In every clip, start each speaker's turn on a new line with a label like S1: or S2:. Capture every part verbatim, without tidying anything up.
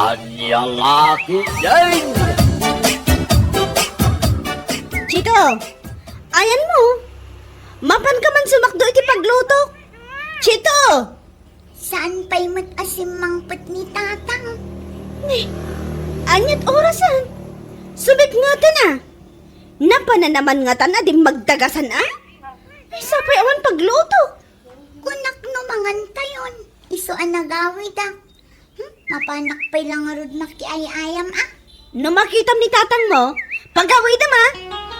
S1: Anyang aking yan!
S2: Chito, ayan mo. Mapan ka man sumakdo iti pagluto. Chito!
S3: Saan pa'y matasim mangpet ni tatang?
S2: Eh, anyat orasan. Sumit nga ta na. Napana naman nga ta na di magdagasan ah. Ay, sapay awan pagluto.
S3: Kunak no mangantayon. Iso ang nagawid ah. Hmm? Mapanak pa'y lang arod makiayayam ah.
S2: No makitam ni tatang mo, pagaway na ma.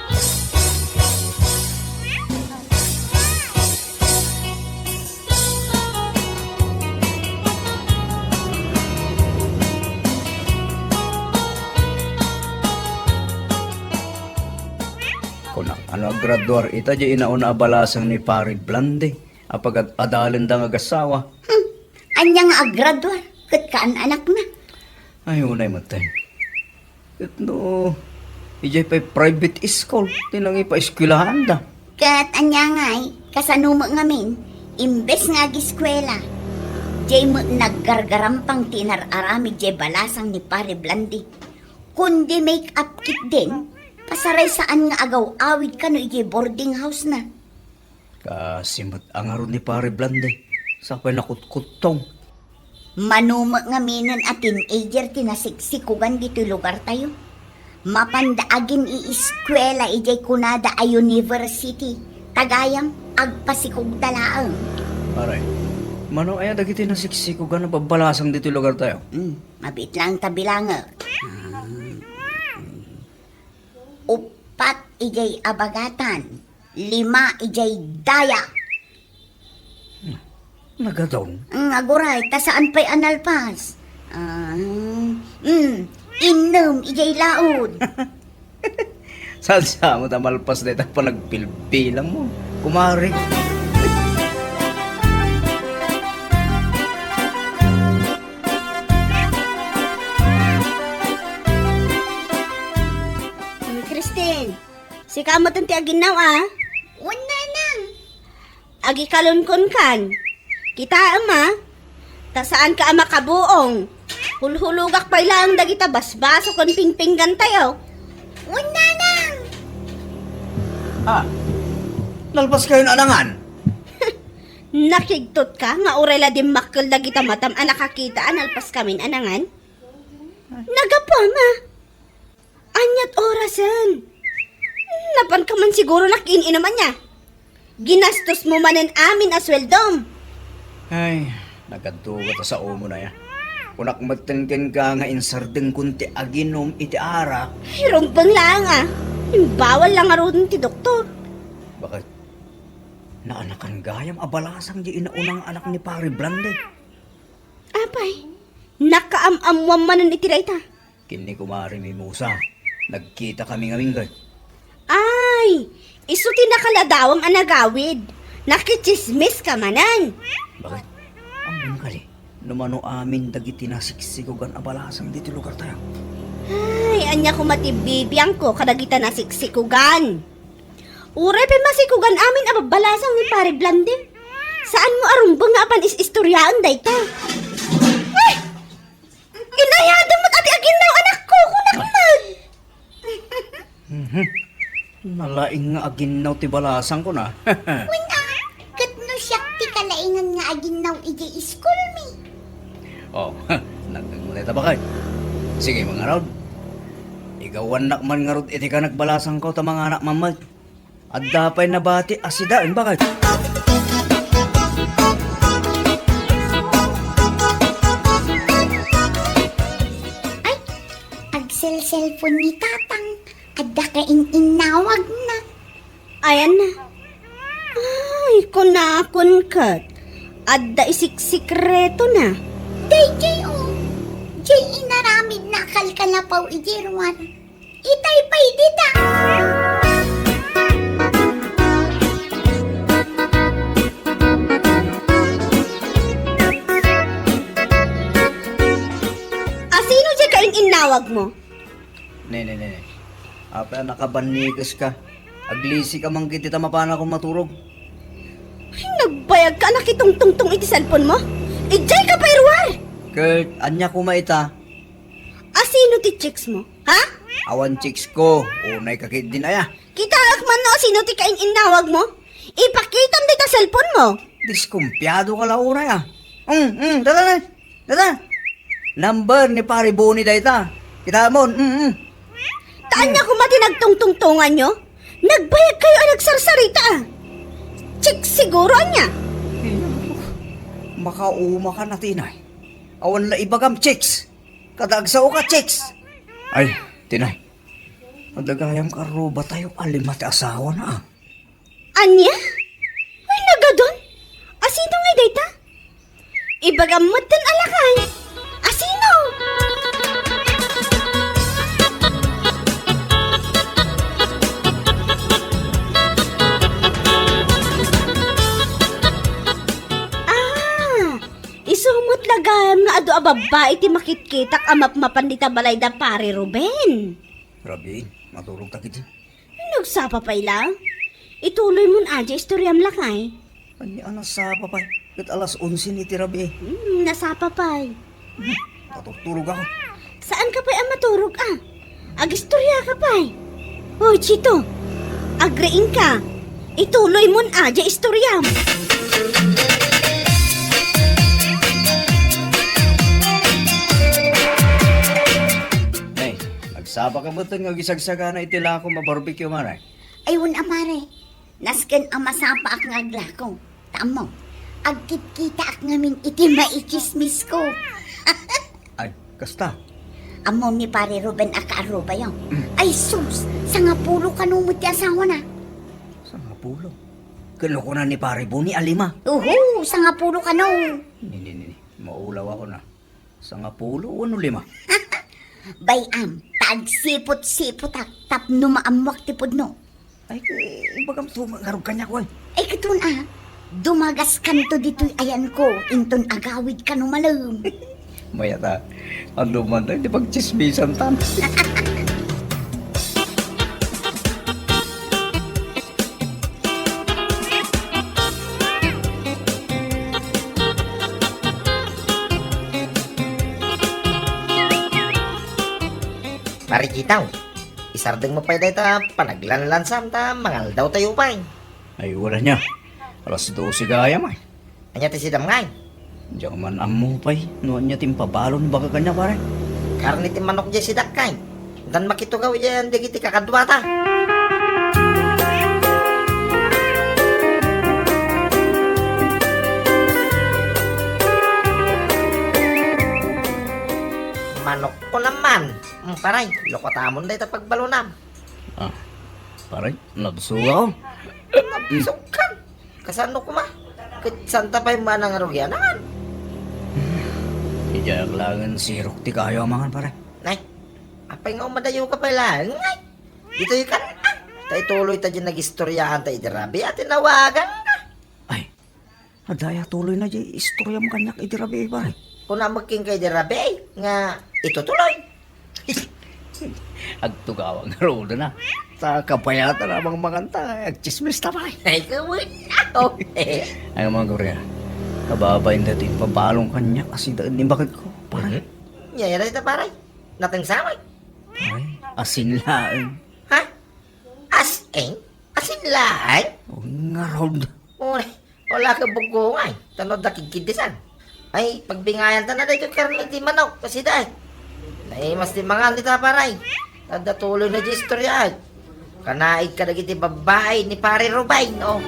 S4: Kung ano graduar ita di inauna abalasang ni Pari Blande apag adalin da nga gasawa.
S3: Hmm. Anyang agradwar. Kat kaan anak na.
S4: Ay unay matay. Kat no ijay pa private school tinangi pa eskwelahan da.
S3: Kat anya nga'y kasanuma ngamin. Imbes nga giskwela. Jay mo naggargarampang tinar-arami jay balasang ni Pare Blandi. Kundi make-up kit din. Pasaray saan nga agaw awid ka no ijay boarding house na.
S4: Kasimot ang aron ni Pari Blande. Sa pa'y nakutkutong.
S3: Manuma nga minan at teenager tinasiksikugan dito lugar tayo. Mapandaagin i-eskwela ijay kunada a university. Tagayam agpasikog dalaang.
S4: Aray. Mano ay dagiti nasiksikugan na babalasang dito lugar tayo.
S3: Hmm, mabit lang tabilanga. Upat ijay abagatan. Lima ijay daya.
S4: Nagadong.
S3: Ang aguray, ta saan pa'y analpas? Ah, mm, inom ijay laod.
S4: Saan siya mo tamalpas na ita pa nagpilpilang mo. Kumari.
S2: Christine, si kamot ang tiaginaw ah.
S3: Una nang.
S2: Agi kalunkon kan. Kita ama. Ta saan ka ama kabuong. Hulhulugak pa ilang dagita basbaso kon pingpinggan tayo.
S3: Una nang.
S4: Ah, lalpas kayo na anangan.
S2: Nakigtot ka nga urela di makkel dagita matam ang nakakita analpas kamin anangan. Nagapa ma. Anyat orasan. Napan ka man siguro nakin naman niya. Ginastos mo manen amin asweldom.
S4: Ay, nagkaduga ta sa umo na ya. Kunak magtengken ka nga insardeng kunti aginom iti arak.
S2: Ay, rumpang lang ah. Bawal lang aron ti doktor.
S4: Bakit? Naanakan gayam abalasang di inaunang anak ni Pari Blande.
S2: Apay, nakaamamwam manen iti rayta.
S4: Kini kumari mi Musa. Nagkita kami nga minggay.
S2: Ay, isuti nakaladawang anagawid. Nakichismis ka manan.
S4: Bakit? Ang mangkali. Numano amin dagiti nasiksikugan abalasang dito lugar tayo.
S2: Ay, anya ko matibibiyang ko kadagita na siksikugan. Uray pa masikugan amin ababalasang ni Pare Blande. Saan mo arumbang nga apan is-istoryaan dayta? Ay! Inayada mo't ati aginaw anak ko kunak man.
S4: Mhm. Nalaing nga aginaw ti balasang ko na.
S3: Una, kat no siyak ti kalaingan nga aginaw ijay school mi.
S4: Oh, nagmulita ba kayo? Sige mga rod. Igawan nak man nga rod iti ka nagbalasang ko ta mga anak mamad. At dapay nabati asidaan bakit?
S3: Ay, agsel-cellphone ni tatang. Adda ka in-inawag na.
S2: Ayan na. Ay, kunakon kat. Adda isik-sikreto na.
S3: Day, jay o. Jay inaramid na kalkalapaw ijirwan. Itay pa'y dita.
S2: Asino dyan ka in-inawag mo?
S4: Ne, ne, ne, ne. Apa nakabanigas ka. Aglisi ka man kiti tamapana kong maturog.
S2: Ay, nagbayag ka nakitungtungtong iti cellphone mo? Ijay ka pa irwar!
S4: Kurt, anya ko maita.
S2: sino ti chicks mo? Ha?
S4: Awan chicks ko, unay kakit din aya.
S2: Kita man no, sino ti kain inawag mo? Ipakitam di ta cellphone mo.
S4: Diskumpiyado ka lang unay ah. Mm, mm, dada na, dada. Number ni pare Boni dayta. Kita mo, mm, mm.
S2: Taan niya kumati nagtungtungtungan nyo? Nagbayag kayo ang nagsarsarita ah. Chicks siguro niya.
S4: Makauma ka na tinay. Awan la ibagam chicks. Kadagsaw ka chicks. Ay, tinay. Madagayam ka ro ba tayo alimat asawa na ah.
S2: Anya? Ay, nagadon? Asino nga data? Ibagamot din alakay. Asino? Ah, isumot lagam nga ado a babae ti makitkitak amap mapandita balay da pare Ruben.
S4: Grabe, matulog takit.
S2: Nagsapa pa lang. Ituloy mo na adya istoryam lakay.
S4: Ani anas sa papay. Kat alas onse ni tirabi.
S2: Hmm, nasapa pa.
S4: Tatutulog ako.
S2: Saan ka pa ang maturog ah? Agistorya ka pa. Oh, Chito. Agrein ka. Ituloy mo na adya istoryam.
S4: Nay, nagsaba ka ba ito nga gisagsaga na itila ako mabarbecue maray?
S3: Ayun, amare. Nasken ang masapa ak nga aglako. Tamo. Agkit-kita ak ngamin iti maikismis ko.
S4: Ay, kasta.
S3: Amo ni pare Ruben akaaro ba yun? Ay sus, sa nga pulo kanumot ti asawa na.
S4: Sa nga pulo. Kano ko na ni pare Boni alima.
S3: Uhu, sa nga pulo kano.
S4: Nini, nini. Maulaw ako na. Sa nga pulo, ano lima?
S3: Bayam, tagsipot-sipot ak tapno maamwak ti pudno.
S4: Ay, ibagam tumagarog kanya ko ay.
S3: Ay katun ah, dumagas kanto dito'y ayan ko, inton agawid ka no malam.
S4: Mayata, ang luman tayo, di pagchismisan tan.
S5: Marikitaw, isardeng mo pa yung ta panaglanlansam ta mangal daw tayo pa eh.
S4: Ay, wala niya. Alas dose gaya may.
S5: Anya ti sidam ngay,
S4: Diyan man amo pay. Noon niya timpabalon baka kanya pare.
S5: karni ti manok dyan sidak kay. Dan makitugaw dyan di kiti kakadwa ta. Manok ko naman. Mm, paray, lokotamon day ta pagbalunam.
S4: Ah, pare, nabsuga ko.
S5: Sukan. Kasano ko ma? Kit santa pa yung manang arugyanan.
S4: Ijak langan sirok ti kayo mangan pare.
S5: Nay, apay nga umadayo ka pala. Ngay, dito yung kan. Tay tuloy ta dyan nag-istoryahan tayo dirabi at tinawagan ka.
S4: Ay, adaya tuloy na di istorya mo kanyak idirabi pare.
S5: Kung na magking kay dirabi, nga itutuloy.
S4: Agtugawang rodo na. Sa kapayata na mga manganta, agchismis na pare.
S5: Ay, kawin ako.
S4: Ay mga gorya, kababayin natin pabalong kanya kasi daan ni bakit ko pare.
S5: Nyayara ito paray. Nating samay.
S4: Ay, asin lang.
S5: Ha? As-eng? Asin lahay?
S4: O nga rodo.
S5: Uri, wala ka bugungay. Tanod na kikidisan. Ay, pagbingayan ta na dito karni di manok. Kasi dahil. Ay, mas di mga nita paray. Tanda tuloy na di istorya. Kanaig ka na giti babae ni pare Rubay, no?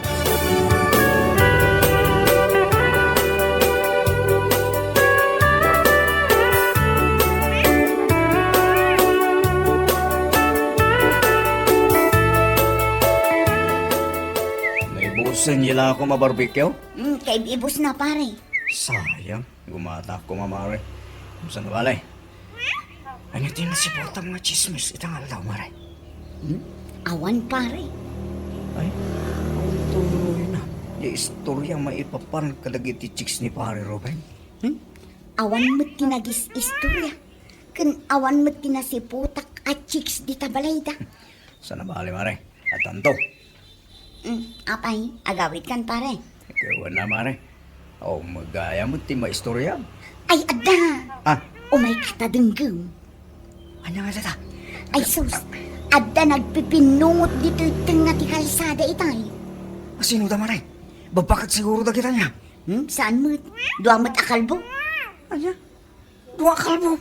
S4: Naibusan nila ako mabarbecue?
S3: Hmm, kay ibus na pare.
S4: Sayang, gumata ko mamare. Saan na balay? Ano din na si Bota mga chismis itangal daw maray.
S3: Awan pare.
S4: Ay, ang tuloy na. Yung istorya maipapan kadagiti chicks ni pare Ruben. Hmm?
S3: Awan mo't tinagis istorya. Kan awan mo't tinasiputak at chicks di tabalayda.
S4: Saan na balay maray? At tanto.
S3: Hmm, apay, agawid kan pare.
S4: Ikaw na mare. O magaya mo ti maistorya.
S3: Ay, ada!
S4: Ah,
S3: Umay katadenggam.
S4: Anya nga data?
S3: Ay sus, adda nagpipinungot dito itong nga ti kalsada itay.
S4: Sino da maray? Babakat siguro da kita niya.
S3: Hmm? Saan mo? Duamat akalbo?
S4: Anya? Dua kalbo.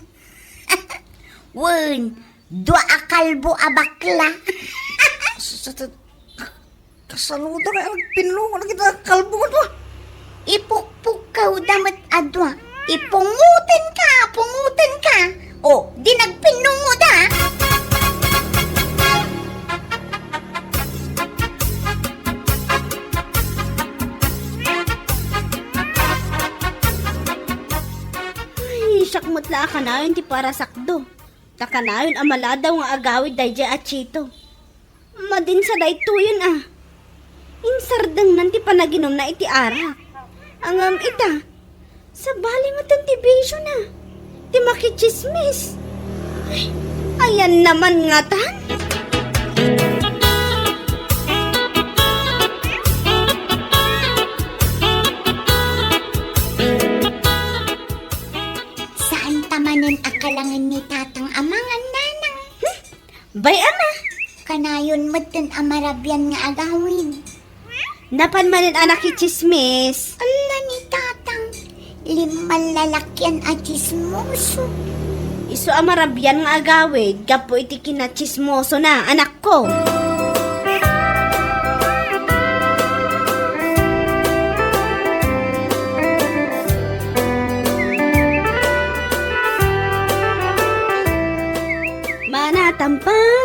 S3: Wen, dua akalbo abakla.
S4: Sa kasaluda kaya pinulungan na kita kalbo ko to.
S3: Ipukpuk ka damat adwa. Ipungutin ka, pungutin ka. O, di nagpinungod ha.
S2: Ay, sakmot la ka na yun ti para sakdo. Taka na yun amala daw nga agawid dayja at chito. Madin sa dayto yun ah. Insardang nanti panaginom na iti arak. Angam ita. Sa bali mo tantibisyo na. Ti makichismis. Ay, ayan naman nga tan.
S3: Saan tamanin akalangan ni tatang amangan nanang?
S2: Bay ama.
S3: Kanayon matin amarabyan nga agawin.
S2: Napan manin anak kichismis.
S3: Ala ni tatang, liman lalakyan at chismoso.
S2: Iso amarabyan nga agawid. Gapo iti kinachismoso na anak ko. Manatampang.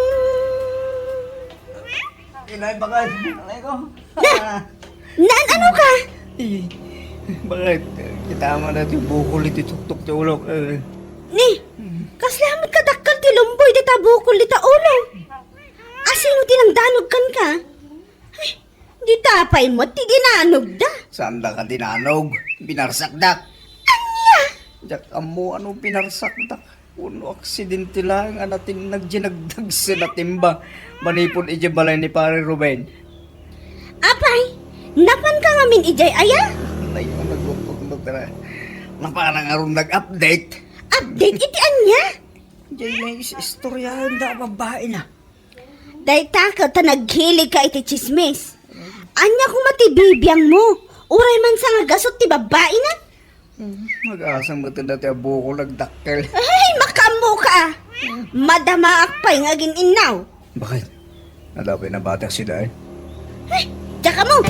S4: Inay, bakit? Alay ko.
S2: Naan ano ka?
S4: Eh, bakit? Kita mo na ito yung bukol ito tuktok sa ulo. Eh,
S2: Ni, kaslamit ka dakkel ti lumboy di tabukol di ta ulo. Asino tinangdanog kan ka? Ay, di tapay mo ti ginanog da.
S4: saan da ka tinanog? Binarsakdak. Anya? Diyak amo, ano binarsakdak? Uno aksidente lang, anatin nagginagdag sa natimba. Manipon ije balay ni pare Ruben.
S2: Apay, napan ka nga min ijay aya?
S4: Nay, ang naglutok na na parang aron nag-update.
S2: Update iti anya?
S4: Jay na is istoryahan da babae na.
S2: Dahil takaw ta naghilig ka iti chismis. Anya kung matibibiyang mo. Uray man sa nga gasot ti babae na.
S4: Mag-asang matanda tayo buko nagdakkel.
S2: Ay, makamu ka. Madama akpay nga ginaw.
S4: Bakit? Nadapay na bata si Day.
S2: Ay, tsaka mo.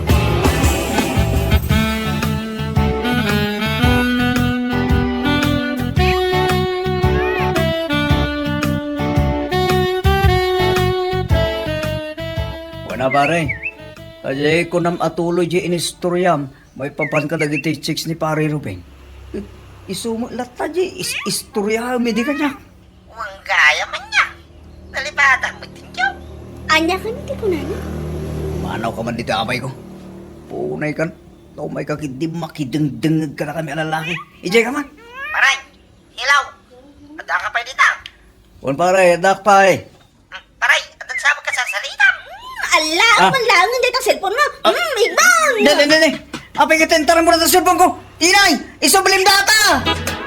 S4: Wala pare. Kasi ko nam atuloy di inistoryam, may papan ka dagiti chicks ni pare Ruben. Isumo lata di is istorya mi di kanya.
S5: Uwang gaya man niya. Nalipatan mo tinyo.
S2: Anya ka niti ko na na.
S4: Manaw ka man dito amay ko. Punay kan. No may kakidi makidengdengag ka na kami ang lalaki. Ijay ka man.
S5: Paray, hilaw. Ada ka pa dito.
S4: Wan pare, dak pa eh.
S5: Hmm, Paray, adan sa ka sa salita.
S2: Ala,
S4: Ah.
S2: ang langan dito ang cellphone mo. Hmm, ibang.
S4: Dali, dali. Apay ka tentaran mo na sa cellphone ko. Tinay, isobalim data.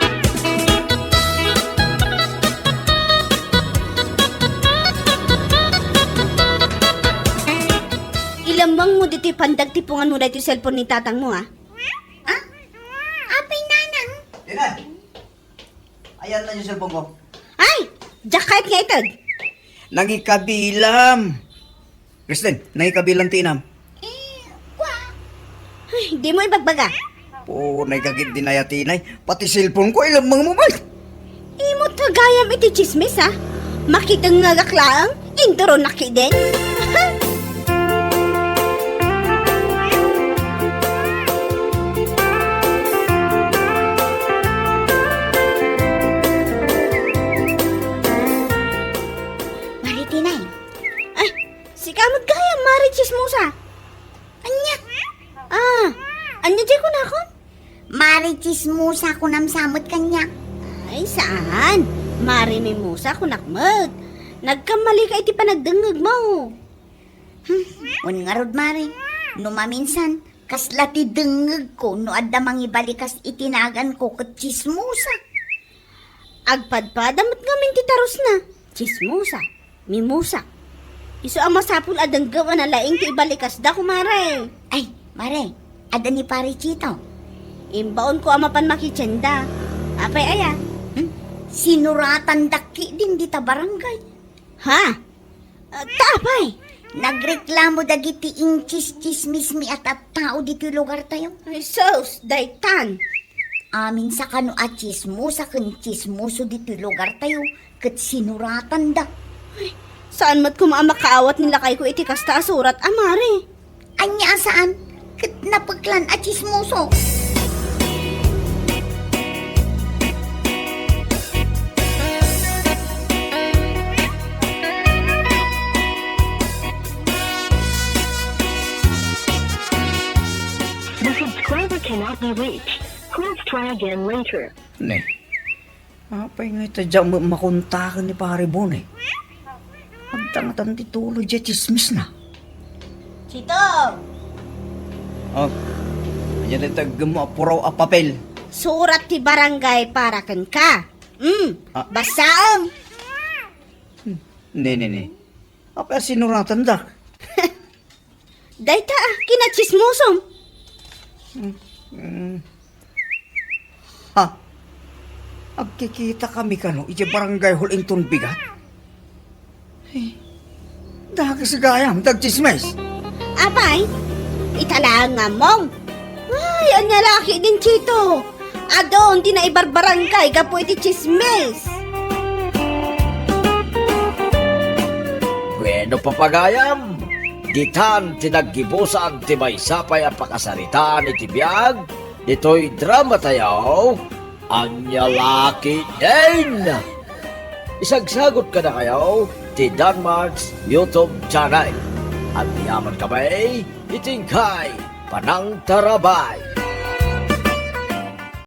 S2: Ilambang mo dito pandag tipungan mo dito yung cellphone ni tatang mo ha.
S3: Ah? Apay nanang?
S4: Tinay. Ayan na yung cellphone ko.
S2: Ay, jakait nga ito.
S4: Nangikabilam. Kristen, nangikabilang tinam.
S3: Eh, kwa?
S2: Ay, di mo ibagbaga.
S4: Po, nagkagit din na yatinay. Pati cellphone ko, ilang mga mobile.
S2: Imot tagayam iti chismis ha. Makitang nga gaklaang, intro nakiden.
S3: Maritinay,
S2: Ay, si kamot gaya, mari chismosa.
S3: anya?
S2: Ah, anya di ko na ako?
S3: Mari chismosa ko namsamot kanya.
S2: Ay, saan? Mari may musa ko nakmag. Nagkamali ka iti panagdengag mo.
S3: Un nga rod mari, no maminsan, kaslati dengeg ko no adda mangibalikas itinagan ko ket chismosa.
S2: Agpadpad, damat ngamin titaros na. Chismosa, mimusa. Iso ang masapul adang gawa na laing ti ibalikas da kumare.
S3: Ay, mare, ada ni pare Chito.
S2: Imbaon ko amapan makitsenda. Apay aya.
S3: Hmm? Sinuratan daki din dita barangay.
S2: Ha? Uh, tapay.
S3: Nagreklamo dagiti inchis chismis mi at at tao dito lugar tayo.
S2: Ay sos, daytan.
S3: Amin sa kano at chismosa kan chismoso dito lugar tayo kat sinuratan da.
S2: Saan mat kumamakaawat nila kay ko iti kasta surat amare?
S3: Anya saan? Kat napaglan at chismoso.
S6: The subscriber cannot be reached. Please try again later.
S4: Ne. Apay nga itadya ma- makuntakan ni pare Bon eh. Agtangatan ti tulo dya chismis na.
S2: Chito,
S4: Oh, ayan na tag mo apuraw a papel.
S2: surat ti barangay para kan ka. Hmm,
S4: Ah.
S2: basaam.
S4: Ne, ne, ne. Apa sinuratan da?
S2: Dayta ah, kinachismosom.
S4: Ha? Agkikita kami kano, iti barangay hol inton bigat. Eh, dagas gayam, dagchismes.
S2: Apay, italangan mong. Ay, anya laki din, Chito. Adon, di na ibarbarangay, gapo iti chismes.
S1: Bueno papagayam, ditan tinaggibusan ti may sapay ang pakasaritaan iti biyag, ito'y drama tayo, anya laki din. Isagsagot ka na kayo, ti Danmarks YouTube channel. At yaman kamay, itingkay, panang tarabay.